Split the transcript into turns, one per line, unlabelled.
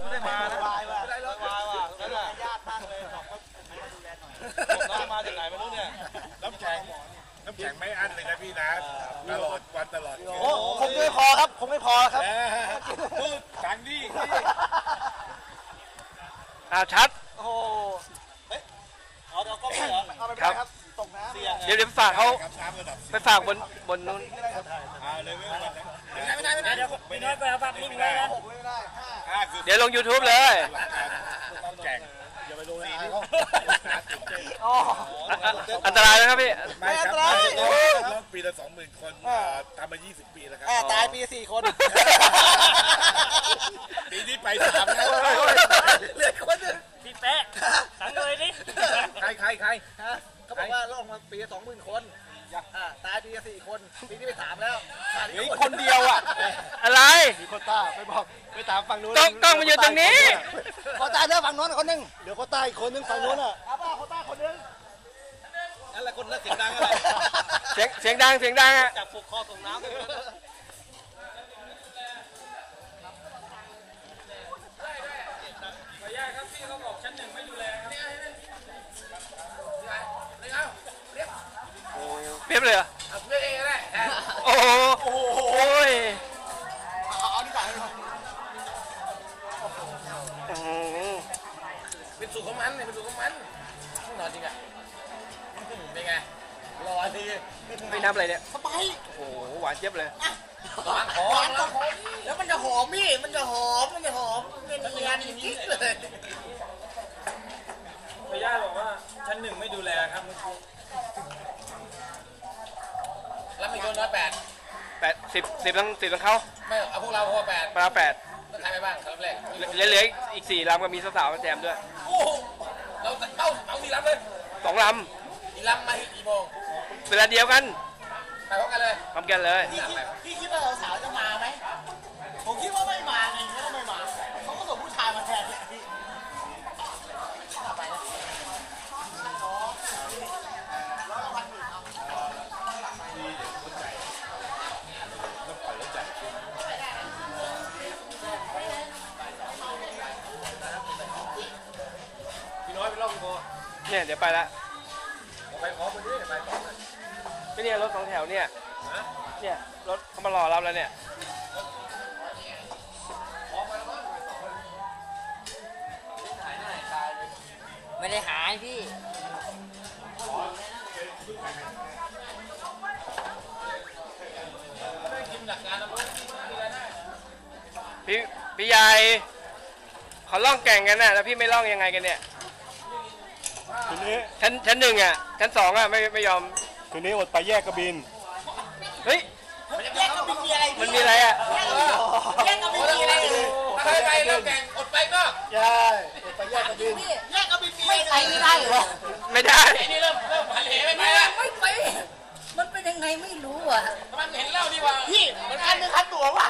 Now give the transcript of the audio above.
ไม่ได้มานะ
วายว่ะ
ไม่ได้รถวายว่ะนั่นแหละ
ญาติตั้งเลยบอกว่ามาดูแลหน่อย
น้องมาจากไหนไม่รู้เนี่ย
น้ำแข็งไม่อั้นเลยนะพี่นะตลอดวันตลอด
โอ้ผมไม่พอครับผมไม่พอครับ
พูดสังดิ
ชัด
โอ้โห
เอาเดี๋ยวก็ไม่เหรอ
เอาไปไม่ได้ครับตกน้ำ
เสี่ยง
เดี๋ยวไปฝากเขา
ครับน้ำระดับ
ไปฝากบนนู้น
เลยไม่วันนะ
ไม่ได้เดี๋ยวพี่น้อยไปเอาปากนิ่งไว้นะไม่ได้ห้า
คือ
เดี๋ยวลง YouTube เลย
หลักการน้ำแข็ง
อย่าไปลงนะ
อ๋อ
อันตรายนะครับพี่
ไม่ครับรอบปีละ 20,000 คนทำมา20 ปีแล้วครับ
ตายปี4 คน
ปีนี้ไป3แล้ว
เหลือคนนึง
พี่แป๊ะสั่งเลยดิ
ใคร
เขาบอกว่าลงมาปีละ20,000 คนตายปีละ4 คนปีนี้ไป3แล้วขาดอีก
คนเดียวอ่ะ อะไร
มีคนต้าไปบอกไปถามฝั่งนู้น
ต้องมาอยู่ตรงนี้
เขาตายแล้วฝั่งนู้นคนนึงเดี๋ยวเขาตายอีกคนนึงฝั่งนู้นอ่ะเอาป่ะเขาตายคนนึง
อะไรคนนักเสียงดังอะไร
เสียงดังอ่ะ
จับผูกคอส่งน้ำเลยนะ
เพียบเลยเหรอโอ้โหโอ้ย
เอาดีกว่า
เป็นสูตรของมันเนี่ยเป็นสูตรของมันนอนจริงอ่ะเป็นไงรอที
ไม่น้ำอะไรเนี่ย
สบาย
โอ้โหหวานเจี๊ยบเลย
หวานก็หอมแล้วมันจะหอมพี่มันจะหอมเนียนๆกิ๊กเลย
พย่าบอกว่าชั้น1ไม่ดูแลครับ
แล้วมีคนน้อย8
10ต้องเข้า
ไม่เอาพวกเราพอ8
ปลา8
แล้วใครไปบ้างครั้งแรก
เหลืออีก4 ลำก็มีสาวๆมาแจมด้วย
โอ้เราเอา4 ลำเลย
2 ล
4 ลำมากี่โมง
ำเวลาเดียวกัน
ไปพร้อมกันเลย
ทำกันเลย
พี่คิดว่าสาวจะมาไหมผมคิดว่าไม่มาไงก็ไม่มาเขาก็ส่งผู้ชายมาแทนพี่ไปนะ
พี่น้อยไปรอบพี่โบ
เนี่ยเดี๋ยวไปละ
ไปพร้อมกันด้วยไปพร้อมกัน
ไม่เนี่ยรถ2 แถวเนี่ยเนี่ยรถเขามารอรับแล้วเนี่ย
ไม่ได้หายพี่
พี่ใหญ่เขาล่องแก่งกันน่ะแล้วพี่ไม่ล่องยังไงกันเนี่ย
คืนนี้
ชั้น1อ่ะชั้น2อ่ะไม่ยอม
คืนนี้อดไปแยกกระบิน
เฮ้ย
แยกก็มีอะไร
มันมีอะไรอ่ะ
แยกก็มีอะไร
ถ้าไปแล้วแข่งอดไปก็
ใช่อดไปแยกกระบิน
แยกก็มีอะไรไม่ได้เหรอ
ไม่ได้
นี่เริ่มหันเหไม่ไปละ
ไม่ไป มันเป็นยังไงไม่รู้อ่ะ
ทำไมเห็นเล่าดีกว่า
พี่มันคันหรือคันตัววะ